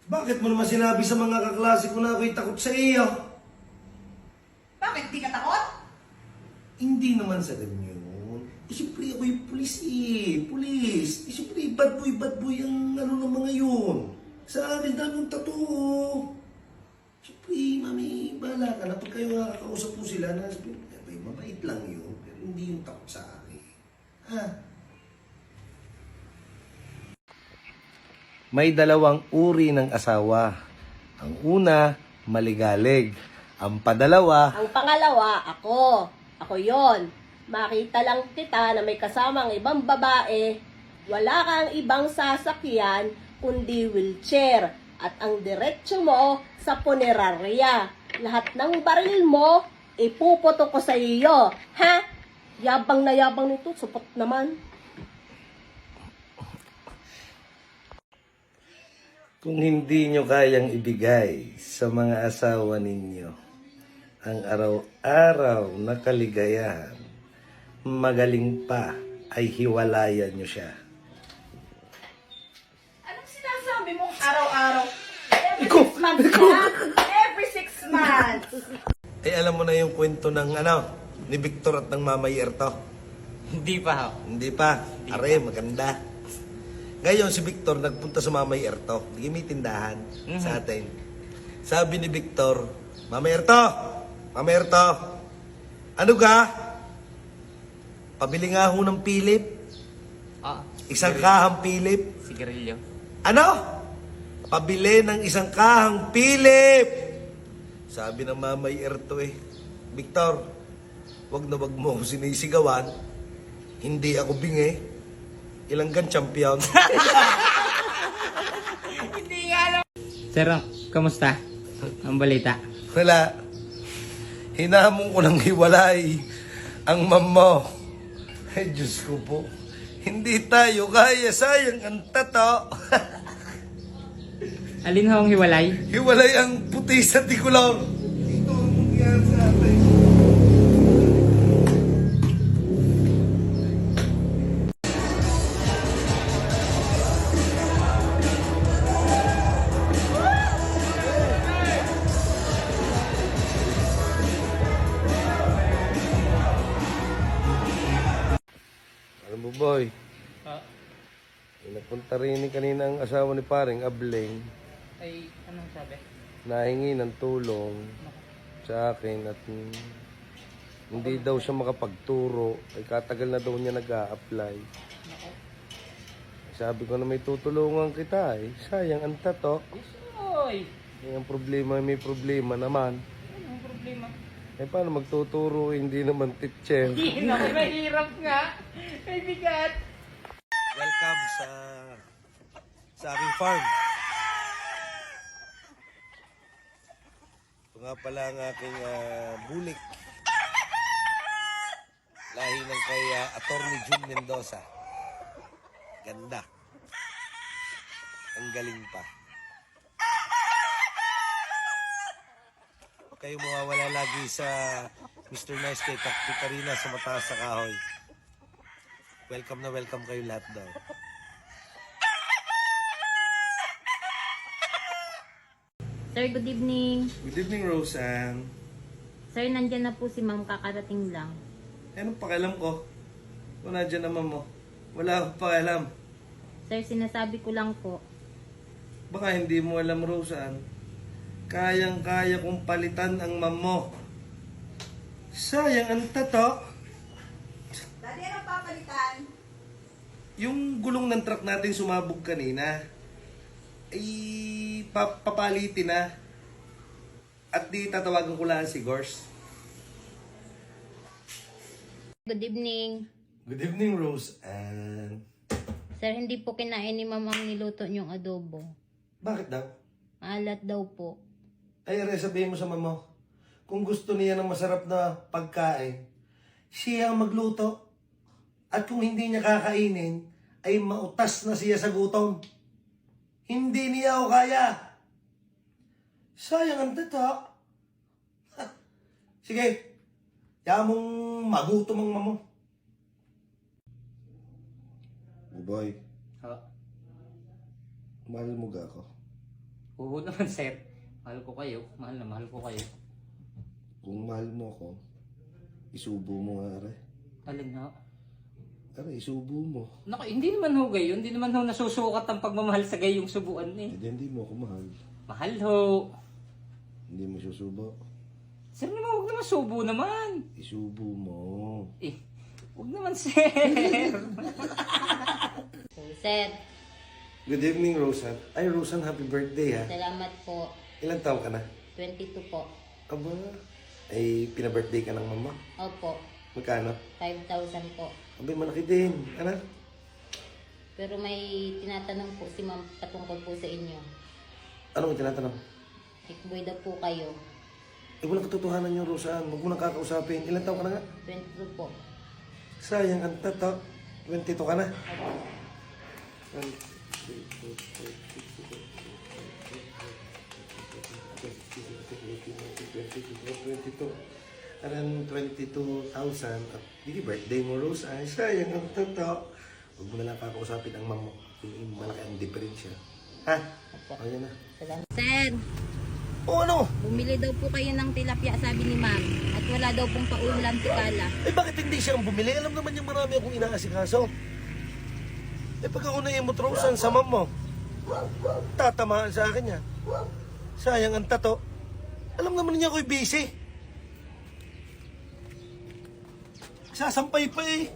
Bakit mo naman sinabi sa mga kaklase ko na ako'y takot sa iyo? Bakit di ka takot? Hindi naman sa ganyan. Siyempre ako'y pulis eh. Pulis. Siyempre bad boy ang ano ng mga yun. Sa akin daming tattoo. Siyempre, mami, bahala ka na. Pag kayo nakakausap mo sila na, siyempre, mabait lang yun. Pero hindi yung takot sa akin. Ha? May dalawang uri ng asawa. Ang una, maligalig. Ang padalawa, Ang pangalawa, ako. Ako yon. Makita lang kita na may kasamang ibang babae, wala kang ibang sasakyan, kundi wheelchair. At ang diretsyo mo sa punerarya. Lahat ng baril mo, ipuputo ko sa iyo. Ha? Yabang na yabang nito, supot naman. kung hindi nyo kayang ibigay sa mga asawa ninyo ang araw-araw na kaligayahan, magaling pa ay hiwalayan nyo siya. Anong sinasabi mong araw-araw? Every 6 months na? Every 6 months. Eh alam mo na yung kwento ng ni Victor at ng Mama Yerto? Hindi pa ho. Hindi pa. Are, maganda. Ngayon si Victor nagpunta sa Mama Yerto. Hindi may tindahan sa atin. Sabi ni Victor, Mama Yerto, ano ka? Pabili nga ho ng Philip. Ah, Isang kahang Philip. sigarilyo. Ano? Pabili ng isang kahang Philip. Sabi ng Mama Yerto Victor, wag na wag mo ako sinisigawan. Hindi ako bingi. Ilanggan champion. Sir, kamusta? Ang balita? Wala. Hinamon ko ng hiwalay ang mamo. Ay, Diyos ko po. Hindi tayo kaya, sayang ang tato. Alin ho ang hiwalay? Hiwalay ang puti sa tikulong. Ito ang mangyayari sa atin. Alam mo, boy, nagpunta rin kanina ang asawa ni paring Ableng. Ay, anong sabi? Nahingi ng tulong sa akin at hindi daw siya makapagturo. Ay katagal na daw niya nag-a-apply. Sabi ko na may tutulungan kita sayang ang tato. Oy! Ang problema, may problema naman. Anong problema? Paano magtuturo, hindi naman teacher. Hindi na, mahirap nga. May bigat. Welcome sa aking farm. Ito nga pala ang aking bulik. Lahi ng kay Attorney June Mendoza. Ganda. Ang galing pa. Kayo mawawala lagi sa Mr. Nice kay Katrina sa mataas sa kahoy. Welcome na welcome kayo lahat daw. Sir, good evening. Good evening, Roseanne. Sir, nandyan na po si ma'am, kakarating lang. Anong pakialam ko? Kung nandiyan naman mo. Wala akong pakialam. Sir, sinasabi ko lang po. Baka hindi mo alam, Roseanne. Kayang-kaya kong palitan ang ma'am mo. Sayang ang tato. Daddy, anong papalitan? Yung gulong ng truck natin sumabog kanina, ay papalitin na. At di tatawagan ko lang si Gors. Good evening. Good evening, Roseanne. Sir, hindi po kinain ni ma'am ang niluto niyong adobo. Bakit daw? Maalat daw po. Ay, sabihin mo sa mama, kung gusto niya ng masarap na pagkain, siya ang magluto. At kung hindi niya kakainin, ay mautas na siya sa gutom. Hindi niya ako kaya. Sayang ang tato. Sige, mong magutom ang mamo. Boy, Ha? mahal mo ga ako? Oo naman, sir. Mahal ko kayo. Mahal na mahal ko kayo. Kung mahal mo ako, isubo mo nga, are. Alin ho? Are, isubo mo. Naku, hindi naman ho gayon. Hindi naman ho nasusukat ang pagmamahal sa gayong subuan eh. Hindi mo ako mahal. Mahal ho. Hindi mo susubo. Sir naman, huwag naman subo naman. Isubo mo. Eh, huwag naman, sir. So, sir, Good evening, Rosan. Ay, Rosan, happy birthday, ha? salamat po. Ilang taon ka na? 22 po. Aba, ay, pina-birthday ka ng mama? Opo, Magkano? 5,000 po. Abay, malaki din. Ano? Pero may tinatanong po si ma'am patungkol po sa inyo. Ano mo tinatanong? Ikboy daw po kayo. Eh, walang katotohanan yung Rosan. Huwag mo nang kakausapin. Ilang taon ka na nga? 22 po. Sayang, ang tato. 22 ka na? Opo. 22. Aran 22,000. At hindi birthday mo, Rose. Ay, sayang ang tato. Huwag mo na lang kakausapin ang mamo. Yung malaki ang diferensya. Ha? Opo. O, yan na. Salamat. Sir, O, ano? bumili daw po kayo ng tilapia, sabi ni ma'am. At wala daw pong paulam si Kala. Eh, bakit hindi siya ang bumili? Alam naman yung marami akong inaasikaso. Eh, pag ako na-imot, Rose, sa mamo, tatamaan sa akin yan. Sayang ang tato. Alam naman niya ako'y busy. Sasampay pa eh.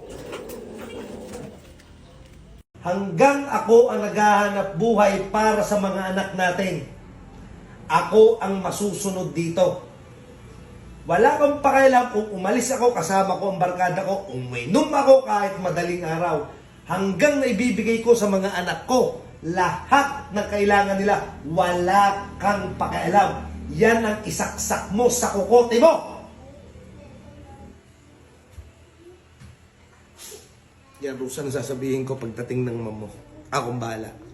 Hanggang ako ang naghahanap buhay para sa mga anak natin. Ako ang masusunod dito. Wala kang pakialam kung umalis ako kasama ko ang barkada ko, uminom ako kahit madaling araw. Hanggang naibibigay ko sa mga anak ko lahat ng kailangan nila, wala kang pakialam. Yan ang isaksak mo sa kukote mo. Yan, Rosa, ang sasabihin ko pagdating ng mamo. Akong bahala.